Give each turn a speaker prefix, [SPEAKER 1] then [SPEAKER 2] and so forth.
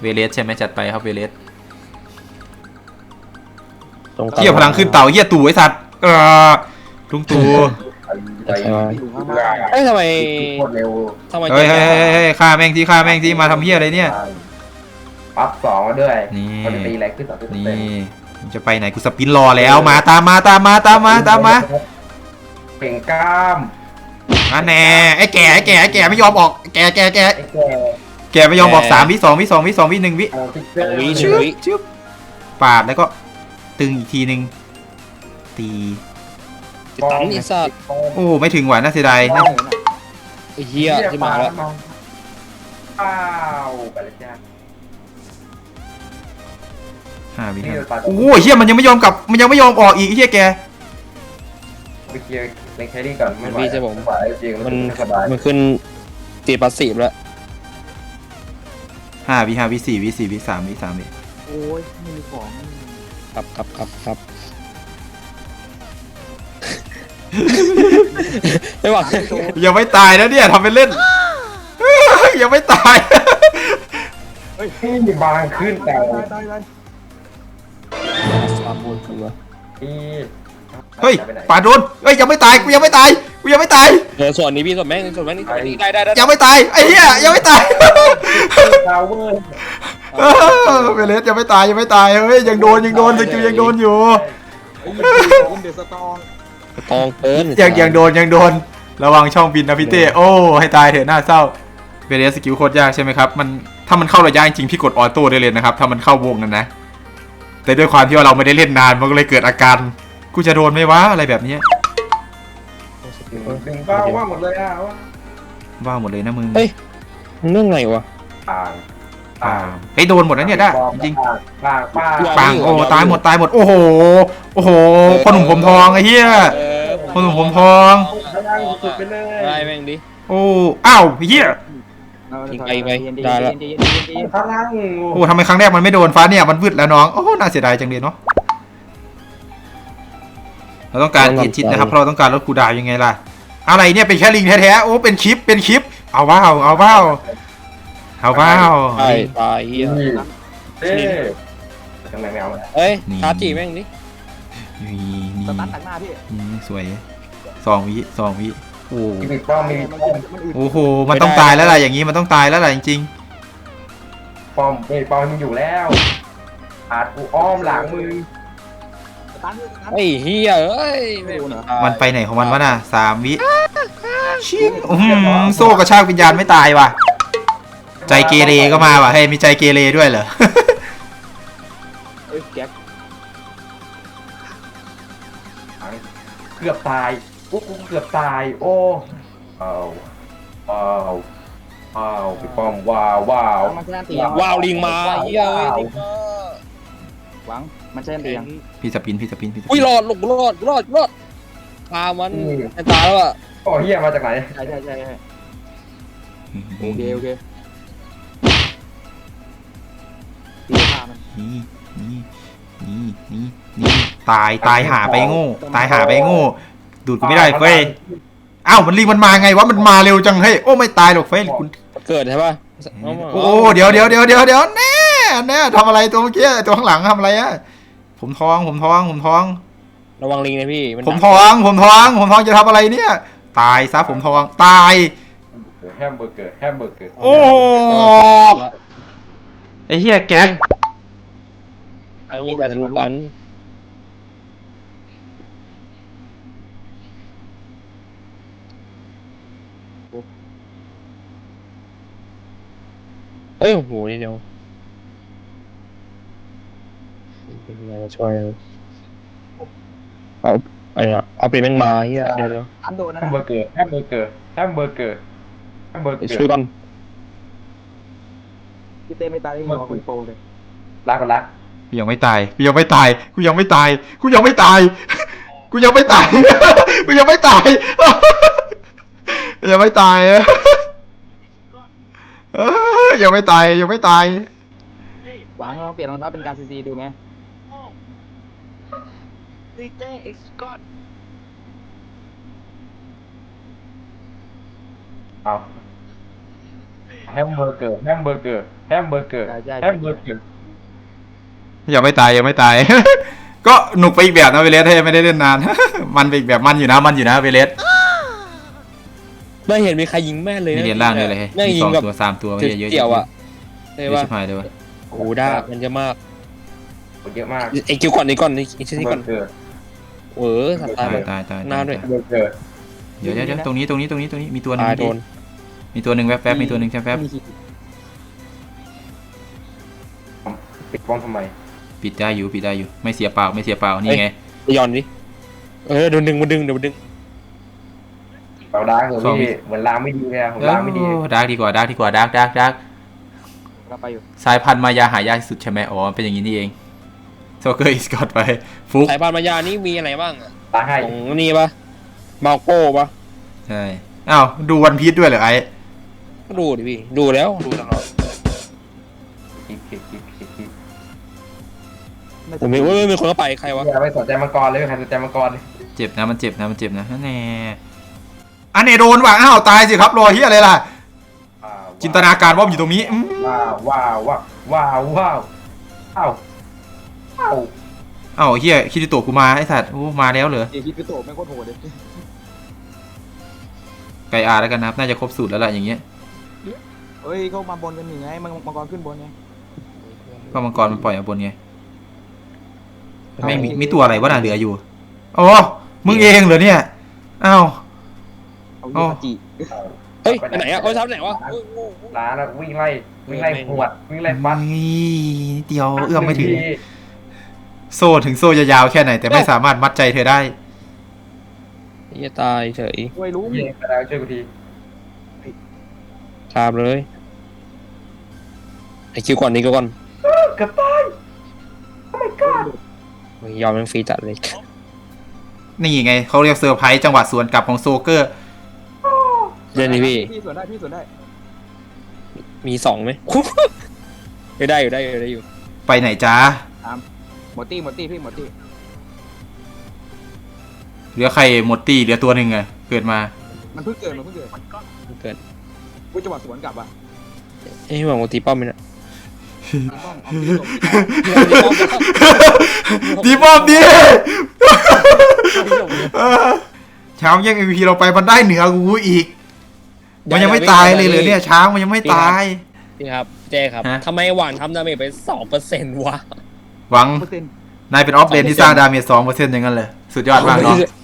[SPEAKER 1] เวเลสใช่ไหมจัดไปครับเวเลสเฮียพลังขึ้นเต่าเฮียตู่ไอสัตว์ลุงตู่
[SPEAKER 2] เอ้ยทำไม
[SPEAKER 1] เฮ้ยฆ่าแม่งที่ฆ่าแม่งที่มาทำเฮียอะไรเนี่ย
[SPEAKER 3] ปั๊บสองด้วย
[SPEAKER 1] นี่
[SPEAKER 3] มันตีแรงขึ้น2%
[SPEAKER 1] นี่จะไปไหนกูสปินรอแล้วมาตามมา
[SPEAKER 3] เป่งกล้าม
[SPEAKER 1] แน่ไอ้แก่ไม่ยอมออกแก่ไม่ยอมออก3 วิ 2 วิ 1 วิชึบปาดแล้วก็ตึงอีกทีนึงตี
[SPEAKER 2] ตันอีสัตว์
[SPEAKER 1] โอ้ไม่ถึงหวานน่าเสียดาย
[SPEAKER 2] ไอ้เหี้ยที่มาแล้ว
[SPEAKER 3] อ้าวไปเลยจ้า
[SPEAKER 1] 5 วิโอ้เฮียมันยังไม่ยอมกลับมันยังไม่ยอมออกอีกเฮียแก
[SPEAKER 3] ไปเคลียร์เล่นแครี่ก่อนไม่ไหวจริง
[SPEAKER 2] มันขึ้นตีปัสสีแล้ว
[SPEAKER 1] 5 วิ 4 วิ 4 วิ 3 วิ 3 วิ
[SPEAKER 4] โอ้ยไม่มีของ
[SPEAKER 2] ครับไม่หวัง
[SPEAKER 1] ยังไม่ตายนะเนี่ยทำเป็นเล่นยังไม่ตาย
[SPEAKER 3] บางขึ้นแต่
[SPEAKER 1] เฮ้ยป่าโดนเฮ้ยยังไม่ตายกูยังไม่ตาย
[SPEAKER 2] ส่วนนี้พี่ส่วนแม่งนี่ได้
[SPEAKER 1] ยังไม่ตายไอ้เหี้ยยังไม่ตายเวเลสยังไม่ตายเฮ้ยยังโดนสกิลยังโดนอยู่
[SPEAKER 2] ตองเกิน
[SPEAKER 1] ยังโดนระวังช่องบินนะพี่เต้โอ้ให้ตายเถอะน่าเศร้าเวเลสสกิลโคตรยากใช่ไหมครับมันถ้ามันเข้าระยะจริงพี่กดออโต้ได้เลยนะครับถ้ามันเข้าวงนั้นนะแต่ด้วยความที่ว่าเราไม่ได้เล่นนานมันก็เลยเกิดอาการกูจะโดนไหมวะอะไรแบบนี้
[SPEAKER 3] ดึงบ้าว่าหมดเลย
[SPEAKER 1] ว่าหมดเลยนะมึง
[SPEAKER 2] เฮ้ยเรื่องไงวะ
[SPEAKER 1] เฮ้ยโดนหมดแล้วเนี่ยได้จริง
[SPEAKER 3] ปัง
[SPEAKER 1] โอ้ตายหมดโอ้โหพ่อหนุ่มผมทองไอ้เหี้ยพ่อหนุ่มผมทอง
[SPEAKER 2] ได้แม่งดิ
[SPEAKER 1] โอ้อ้าวเหี้ย
[SPEAKER 2] ไปได้แล้ว
[SPEAKER 1] โอ้ทำไมครั้งแรกมันไม่โดนฟ้าเนี่ยมันวืดแล้วน้องโอ้น่าเสียดายจังเลยเนาะเราต้องการอินจิตนะครับเพราะเราต้องการลดคูดาวยังไงล่ะอะไรเนี่ยเป็นแค่ลิงแท้ๆโอ้เป็นคลิปเอาว้าว
[SPEAKER 2] ตายเฮีย
[SPEAKER 3] ทำไมไม่เอา
[SPEAKER 2] เฮ้ยชาร์จีแม่งดิ
[SPEAKER 4] สตันตัดหน้าพี่
[SPEAKER 1] สวย2 วิโอ้โอ้โหมันต้องตายแล้วล่ะอย่างนี้มันต้องตายแล้วล่ะจริง
[SPEAKER 3] ๆป้อมมึงอยู่แล้วอาจกูอ้อมหลังมึง
[SPEAKER 2] ไอ้เฮียเอ้ย
[SPEAKER 1] มันไปไหนของมันวะน่ะ3 วิชิงโซ่กระชากวิญญาณไม่ตายว่ะใจเกเรก็มาว่ะเฮ้ยมีใจเกเรด้วยเหรอ
[SPEAKER 3] เกือบตายกูเกือบตายโอ้พี่ป้อมว้
[SPEAKER 2] าวลิงมาเฮียเว้ย
[SPEAKER 4] หวังมันใช่เตียง
[SPEAKER 1] พี่สปิน
[SPEAKER 2] อุ้ยรอดพามันตายแล้วอ่ะ
[SPEAKER 3] โอ้เฮียมาจากไหน
[SPEAKER 4] ใช่โอเคตีพามัน
[SPEAKER 1] นี่ตายหาไปโง่ดูดกูไม่ได้เฟ้ยอ้าวมันรีมันมาไงวะมันมาเร็วจังเฮ้ยโอ้ไม่ตายหรอกเฟ้ยคุณ
[SPEAKER 2] เกิดใช่ป่ะ
[SPEAKER 1] โอ้เดี๋ยวแน่ทำอะไรตัวเมื่อกี้ตัวข้างหลังทำอะไรอะผมท้อง
[SPEAKER 2] ระวังลิงนะพี่
[SPEAKER 1] ผมท้องจะทำอะไรเนี่ยตายซะผมท้องตาย
[SPEAKER 3] แฮมเบอร์เกอร์
[SPEAKER 1] โอ้ไอ้เหี้ยแก๊ก
[SPEAKER 2] ไอ้นี่แบบทะลุปันเอ้ยโหนี่เดียวเป็นไงช่วยเอาไปแม่งมาเฮียเดี๋ยว
[SPEAKER 4] อันโดนนะ
[SPEAKER 3] แฮมเบอร์เกอร์
[SPEAKER 2] ช่วยกัน
[SPEAKER 4] พี่เต้ไม่ตายได้หมอคุณโปเลย
[SPEAKER 3] รัก
[SPEAKER 1] กูยังไม่ตายกูยังไม่ตายกูยังไม่ตายยังไม่ตายยังไม่ตาย
[SPEAKER 4] หวังเราเปลี่ยนรองเท้าเป็นการซีดูไง
[SPEAKER 3] เอาแฮมเบอร์เกอร์แฮมเบอร์เกอร์แฮมเบอร์เกอร์
[SPEAKER 4] ใช่ใช่
[SPEAKER 3] แฮมเบอร์เกอร์
[SPEAKER 1] ยังไม่ตายยังไม่ตาย ก็หนุกไปอีกแบบนะเวเลสให้ไม่ได้เล่นนาน มันไปอีกแบบมันอยู่นะเวเลส
[SPEAKER 2] ไม่เห็นมีใครยิงแม่นเลย
[SPEAKER 1] มี
[SPEAKER 2] นะ
[SPEAKER 1] เหรียญล่างด้วยเลย
[SPEAKER 2] แม่ง
[SPEAKER 1] มี
[SPEAKER 2] ยิ
[SPEAKER 1] ส
[SPEAKER 2] ง
[SPEAKER 1] อง
[SPEAKER 2] แบบ
[SPEAKER 1] ตัวสามตัวไม่เยอะ
[SPEAKER 2] เกี่ยวอ่ะ
[SPEAKER 1] เย
[SPEAKER 2] ใช่
[SPEAKER 1] อะ
[SPEAKER 2] ปะ
[SPEAKER 1] ชิบหายเลยวะ
[SPEAKER 2] โอ้โหได้มันจะมาก
[SPEAKER 3] เยอะมาก
[SPEAKER 2] ไอ้คิวก่อนนี่ก่อนไอ้ชิ้นนี้
[SPEAKER 3] เบ
[SPEAKER 2] ก่
[SPEAKER 3] อ
[SPEAKER 2] อน
[SPEAKER 3] ร์เกอร์
[SPEAKER 2] สัตว์ตาย
[SPEAKER 1] ตาย
[SPEAKER 2] เลย
[SPEAKER 1] ตายตาย
[SPEAKER 2] หน้าด้วย
[SPEAKER 3] เบอร์เกอร์
[SPEAKER 1] เดี๋ยวตรงนี้มีตัวหนึง
[SPEAKER 2] ตายโดน
[SPEAKER 1] มีตัวหนึ่งแวบๆมีตัวหนึ่งแวบ
[SPEAKER 4] มีขีด
[SPEAKER 3] ปิดป้อมทำไม
[SPEAKER 1] ๆปิดได้อยู่ไม่เสียเปล่านี่ไง
[SPEAKER 2] ไปย้อนดิโดนดึงมันดึงเดี๋ยวมันดึง
[SPEAKER 3] เราดักเหรอพี่เหมือนลางไม่ดีเลยอะผมลางไม่ดี
[SPEAKER 1] ดาร์กดีกว่าดาร์ก
[SPEAKER 4] เราไปอยู่
[SPEAKER 1] สายพันธุ์มายาหายากที่สุดใช่ไหมอ๋อเป็นอย่างนี้นี่เองโซเกอร์อีสกอตไปฟุก
[SPEAKER 2] สายพานมายานี่มีอะไรบ้างอะ
[SPEAKER 3] ตายให้
[SPEAKER 2] ของนี่ปะมาโก้ปะ
[SPEAKER 1] ใช่อ้าวดูวันพีชด้วยเหรอไอ้
[SPEAKER 2] ก็ดูดิพี่ดูแล้วดูตลอด
[SPEAKER 3] คิด
[SPEAKER 2] ผมไม่มีคนเข้าไปใครวะ
[SPEAKER 3] อย่าไปสนใจมังกรเลยใครสนใจมังกรเลย
[SPEAKER 1] เจ็บนะมันเจ็บนะนั่นแน่อันเนโดนว่ะอ้าวตายสิครับรอเฮียอะไรล่ะจินตนาการว่าอยู่ตรงนี้
[SPEAKER 3] ว้าวอ้าว
[SPEAKER 1] อ้าวเฮียคิริโตะกูมาไอ้สัตว์โอ้มาแล้วเหรอ
[SPEAKER 4] เอคิดคือโตแม่งโคตรโหดเลย
[SPEAKER 1] ไกอาแล้วกันนะครับน่าจะครบสูตรแล้วล่ะอย่างเงี้ย
[SPEAKER 4] เฮ้ยเขามาบนกันยังไงมังกรขึ้นบนไง
[SPEAKER 1] ก็มังกรมันปล่อยมาบนไงแม่งมีตัวอะไรวะน่ะเหลืออยู่อ๋อมึงเองเหรอเนี่ยอ้าว
[SPEAKER 4] เอายูคาจิ
[SPEAKER 2] เฮ้ยไปไหนอะเขาทำไหนวะ
[SPEAKER 3] ร้านวิ่งไล่หวดวิ่งไล่ฟัน
[SPEAKER 1] เดียวเอื้อมไม่ถึงโซ่ถึงโซ่จะยาวแค่ไหนแต่ไม่สามารถมัดใจเธอได้
[SPEAKER 2] จะตายเฉย
[SPEAKER 4] ช่วยรู้
[SPEAKER 3] เย้กระดาษช่วยกูที
[SPEAKER 2] ตามเลยไอคิวก่อนนี่ก็ก่อน
[SPEAKER 3] เกือบตาย
[SPEAKER 2] ยอมมันฟรีจัดเลย
[SPEAKER 1] นี่ไงเขาเรียกเซอร์ไพรส์จังหวะสวนกลับของโซเกอร์
[SPEAKER 2] เดี๋ยวนี้พี่
[SPEAKER 4] พี่สวนได้
[SPEAKER 2] มีสองไหม ได้อยู่
[SPEAKER 1] ไปไหนจ้า
[SPEAKER 4] หมดตี้พี่หมดตี้
[SPEAKER 1] เหลือใครหมดตีเหลือตัวหนึ่งไงเกิดมา
[SPEAKER 4] มันเพิ่งเกิด
[SPEAKER 2] เกิด
[SPEAKER 4] กูจังหวะสวนกลับอ่ะ
[SPEAKER 2] เอ้ยหวังว่าตีป้อมไหมเนี่ย
[SPEAKER 4] ต้องเอาตีตก
[SPEAKER 1] ดีบอมดีช้างแย่ง MVP เราไปมันได้เหนือกูอีก มันยังไม่ตายเลยเหรอเนี่ยช้างมันยังไม่ตาย
[SPEAKER 2] พี่ครับเจ๊ครับ
[SPEAKER 1] ฮะ
[SPEAKER 2] ทำไมหวานทำดาเมจไป2%วะ
[SPEAKER 1] หวัง
[SPEAKER 4] เปอร์เซ็นต์
[SPEAKER 1] นายเป็นออฟเลนที่สร้างดาเมจ2%อย่างนั้นเลยสุดยอดมากเนาะ